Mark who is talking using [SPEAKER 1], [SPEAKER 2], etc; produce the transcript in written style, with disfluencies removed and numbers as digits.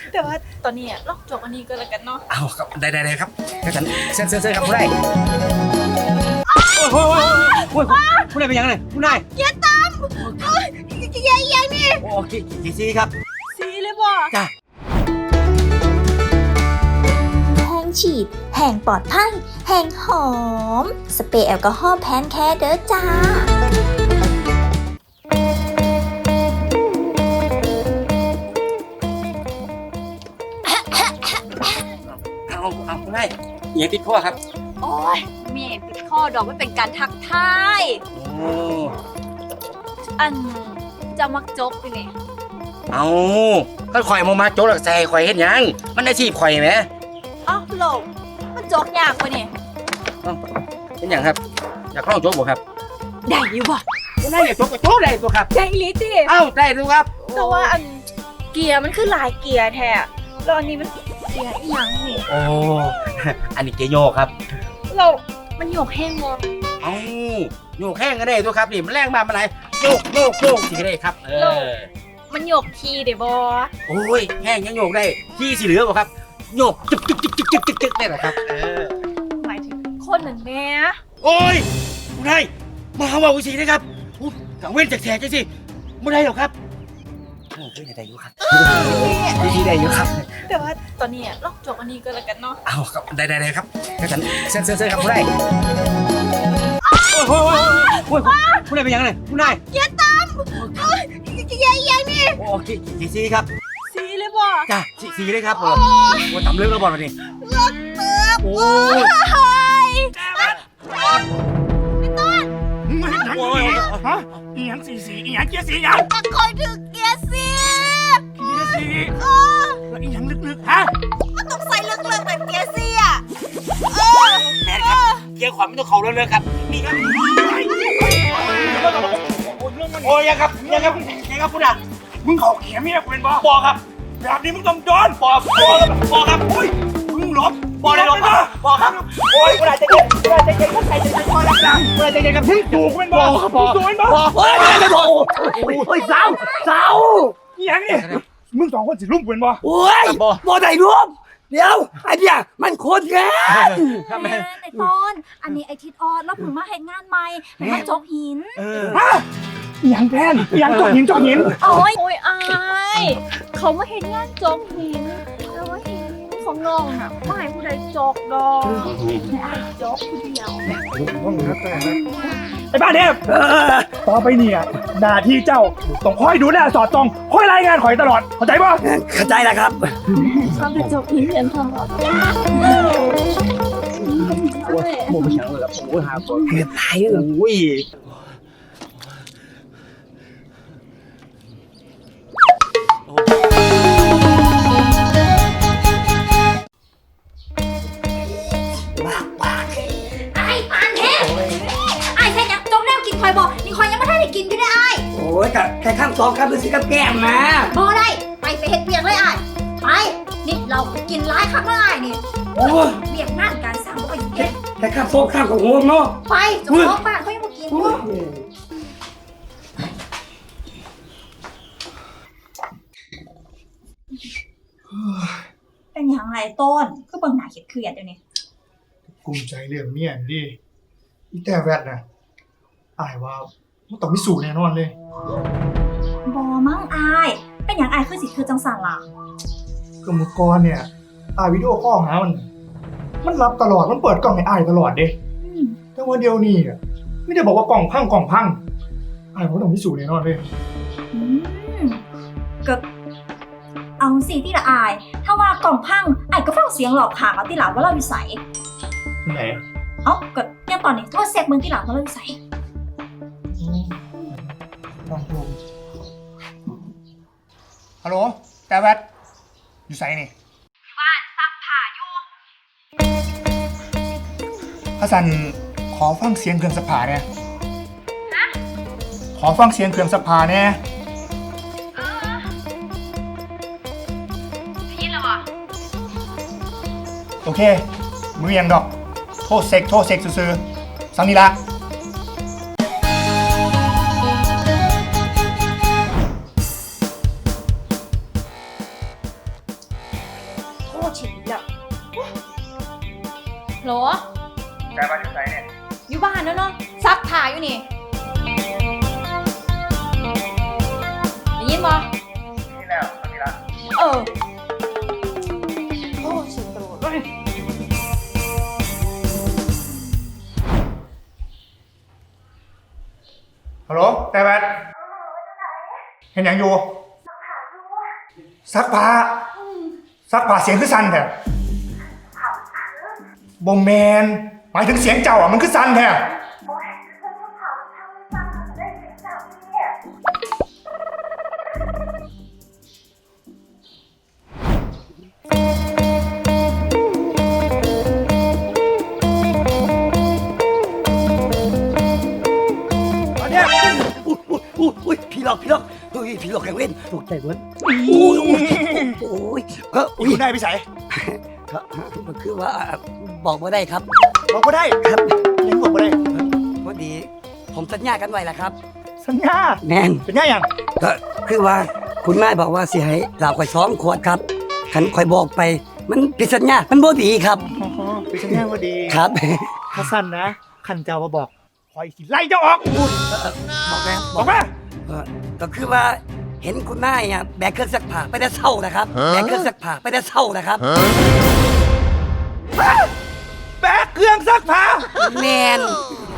[SPEAKER 1] แต่ว่าตอนนี้ลอกจบอันนี้ก็แล้วกันเนาะ
[SPEAKER 2] เอาครับได้ครับงั้นฉันเซ็นครับผู้ใดโอ้ยผู้ใดเป็นยังไงผู้ใด
[SPEAKER 1] อย่าตามอย่านี่
[SPEAKER 2] โอเคกี่ซีครับ
[SPEAKER 1] ซีเลยบ่
[SPEAKER 2] จ้า
[SPEAKER 3] แห้งฉีดแห้งปลอดภัยแห้งหอมสเปรย์แอลกอฮอล์แพนแคร์เด้อจ้า
[SPEAKER 2] เอาผู้ใดยังติดข้อครับ
[SPEAKER 1] โอ้ยเมียติดข้อดอกไม่เป็นการทักทายอันจะมักจกไปเนี่ย
[SPEAKER 2] เอาก็ข่อยมาโจ๊กหลักใส่ข่อยเห็นยังมันได้ชีพข่อยไหม
[SPEAKER 1] อ้าวโหลมันจกยากไปเนี่ย
[SPEAKER 2] เห็นยังครับอยากลองโจ๊กบ่ครับ
[SPEAKER 1] ได้อยู่บ่
[SPEAKER 2] ได้อยากโจ๊กก็โจ๊กได้ตัวครับ
[SPEAKER 1] ได้ลิติ
[SPEAKER 2] เอ้าได้ดูครับ
[SPEAKER 1] แต่ว่าอันเกียร์มันคือหลายเกียร์แท้แล้วอันนี้มันเกียร์อีหยังนี่
[SPEAKER 2] โอ้อันนี้เกียร์โยกครับ
[SPEAKER 1] เรามันโยกแห้งบ่
[SPEAKER 2] เอ้าโยกแห้งก็ได้ตัวครับนี่มันแรงมากมันไหนโยกสิก็ได้ครับ
[SPEAKER 1] มันโยกทีเด้บ่
[SPEAKER 2] โอ้ยแห้งยังโยกได้ที่สิเหลือบ่ครับโยกจึกได้เหรอครับ
[SPEAKER 1] หมายถึงคนนั่นแม่
[SPEAKER 2] โอ้ยไม่ได้มาว่าวิธีนะครับกังเว้นจากแฉกจังสิไม่ได้หรอกครับได้อยู่ครับวิธีได้อยู่ครับ
[SPEAKER 1] แต่ว่าตอนนี้ลอกจบอันนี้ก็แล้วกันเนาะ
[SPEAKER 2] เอาครับได้ครับงั้นฉันเซ็นครับผู้ใดโอ้ยผู้ใดเป็นยังไงผู้ใด
[SPEAKER 1] อย่าตามอย่านี่
[SPEAKER 2] โอเคกี่ซีครับ
[SPEAKER 1] ซีเลยบ่
[SPEAKER 2] จ้าซีเลยครับโอ้ทำเรื่องแล้วบอลมาดิ
[SPEAKER 1] เลิกเติบโอ้ยพี่ต้น
[SPEAKER 4] มึงมาเห็นหนังอีฮะอีหยังสีอีหยังเกียร์สีหยัง
[SPEAKER 1] ตะคอยถึงเกียร์สี
[SPEAKER 4] แล้วอีหยังลึกๆฮะ
[SPEAKER 1] มันต้องใส่ลึกๆแต่เกียร์สีอ่ะ
[SPEAKER 2] แม่ครับเกียร์ขวาไม่ต้องเข่าเรื่อยๆครับนี่ครับโอ้ยยังครับคุณอ่ะ
[SPEAKER 4] มึงเขาเขียนเมียกูเป็นบ่
[SPEAKER 2] ปอครับ
[SPEAKER 4] แบบนี้มึงต้องโดน
[SPEAKER 2] ปอครับ
[SPEAKER 4] โอ้ยมึงหลบ
[SPEAKER 2] ปอได้หลบปอครับโอ้ยคุณอาจจะเย็นคนไทยจะเย็นพอแล้วครับคุณอาจจะเย็นครับ
[SPEAKER 4] มึงถูกเป็นบ่
[SPEAKER 2] ปอ
[SPEAKER 4] ถูกเป็นบ่
[SPEAKER 2] โอ้ยสาว
[SPEAKER 4] อีหยังนี่มึงสองคนสิลุ่มเป็นบ่
[SPEAKER 5] โอ้ยบ่ได้รวมเดี๋ยวไอ้เนี่ยมันโคตรแก่
[SPEAKER 3] แม่ในตอนอันนี้ไอทิดออดแล้วผมมาเห็นงานใหม่มาจกหิน
[SPEAKER 4] ฮะอย่างแพนอย่างจกหิน
[SPEAKER 1] โอ้ยอายเขามาเห็นงานจกหินแล้วว่าหินของน้องน่ะไม่ให้ผู้ใดจกดอกไม่อายจกผู้เดียว
[SPEAKER 4] ไอ้บ้าเทพต่อไปเนี่ยหน้าที่เจ้าต้องคอยดูแลสอดส่องคอยรายงานข่อยตลอดเข้าใจป่ะ
[SPEAKER 5] เข้าใจแล้วครับ
[SPEAKER 1] ความเป็นจกหินเรียนทอง
[SPEAKER 2] โมไม่เฉาเลยโอ้ยหาคน
[SPEAKER 5] เกือบตายเลย
[SPEAKER 2] โอ้ย
[SPEAKER 5] โอ้ยกับแค่ข้ามสองครับดูสิกับแก้มมา
[SPEAKER 3] พอได้ไปเฮ็ดเบียงเลยไปนี่เรากินร้ายข้างได้นี่
[SPEAKER 5] โอ้
[SPEAKER 3] เบียงงานการสั่งไปเฮ็ด
[SPEAKER 5] แค่ข้ามโซ่ข้ามของหัวเนาะ
[SPEAKER 3] ไปจบบ้านเขายังมากินเป็นอย่างไรต้นก็เบิ่งหน้าเครียดเดี๋ยวนี้
[SPEAKER 4] กลุ้มใจเรื่องเมียดิอีแต่แวดน่ะอายว่ามันต้องมีสูตรแน่นอนเลย
[SPEAKER 3] บ่มั่งอายเป็นอย่างอายคือจังสั่นล่ะ
[SPEAKER 4] ก็เมื่อก่อนเนี่ยอายวิดีโอคอลหามันรับตลอดมันเปิดกล้องให้อายตลอดเด้แต่ว่าเดี๋ยวนี้อ่ะไม่ได้บอกว่ากล่องพังอายว่าต้องมีสูตรแน่นอนเลย
[SPEAKER 3] ก็เอาสิที่ละอายถ้าว่ากล่องพังอายก็ฟังเสียงหลอกขางเอาที่หลังว่าเราวิสัย
[SPEAKER 4] ไหน
[SPEAKER 3] ก็เนี่ยตอนนี้โทษเซ็กมึงที่หลังว่าเราวิสัย
[SPEAKER 4] ฮัลโหลแต่แวดอยู่ไสนี่
[SPEAKER 1] บ้านซักผ้าอยู่
[SPEAKER 4] ฮัสซันขอฟังเสียงเครื่องซักผ้าเนี่ยขอฟังเสียงเครื่องซักผ้าเนี่ย
[SPEAKER 1] ได้ยินแล้ววะ
[SPEAKER 4] โอเคมือยังดอกโทษเซ็กซื่อๆสังนี่ละ
[SPEAKER 1] ฉีดแล้วโหล
[SPEAKER 4] แต่บ้านอยู่ไหนเนี่ย
[SPEAKER 1] อยู่บ้านแล้วเนาะซักผ้าอยู่นี่ได้ยินบ่
[SPEAKER 4] นี่แล้วมีละ
[SPEAKER 1] เออโอ้ฉีดตลอดเลย
[SPEAKER 4] ฮัลโหลแต่บ้านเห็นอย่างอยู่ซักผ้าซักผ้าเสียงคือสั่นแท้บ่แมนหมายถึงเสียงเจ้าอ่ะมันคือสั่นแท้อันเนี้ย
[SPEAKER 5] อุ้ยผีหลอกผีหลอกเฮ้ยผีหลอกแกเว้นตกใจเว้นโอ้ยก็
[SPEAKER 4] อุ้ยได้พี่สาย
[SPEAKER 5] ก็คือว่าบอกว่าได้ครับ
[SPEAKER 4] บอกก็ได้ครับยังบอกก็ได้
[SPEAKER 5] พอดีผมสัญญากันไว้แล้วครับ
[SPEAKER 4] สัญญา
[SPEAKER 5] แน่น
[SPEAKER 4] สัญญาอย่าง
[SPEAKER 5] ก็คือว่าคุณแม่บอกว่าสิให้เหล้าข่อย2 ขวดครับคันข่อยบอกไปมันผิดสัญญามันบ่ดีครับ
[SPEAKER 4] อ๋อเป็นสัญญาพอดี
[SPEAKER 5] ครับ
[SPEAKER 4] ถ้าสั้นนะขันเจ้ามาบอกคอยสิไล่เจ้าออก
[SPEAKER 5] บอกแล้ว
[SPEAKER 4] บอกว่า
[SPEAKER 5] ก็คือว่าเห็นคุณแม่เนี่ยแบกเครื่องซักผ้าไปแต่เช้านะครับแบกเครื่องซักผ้าไปแต่เช้านะครับ
[SPEAKER 4] แบกเครื่องซักผ้า
[SPEAKER 5] แมน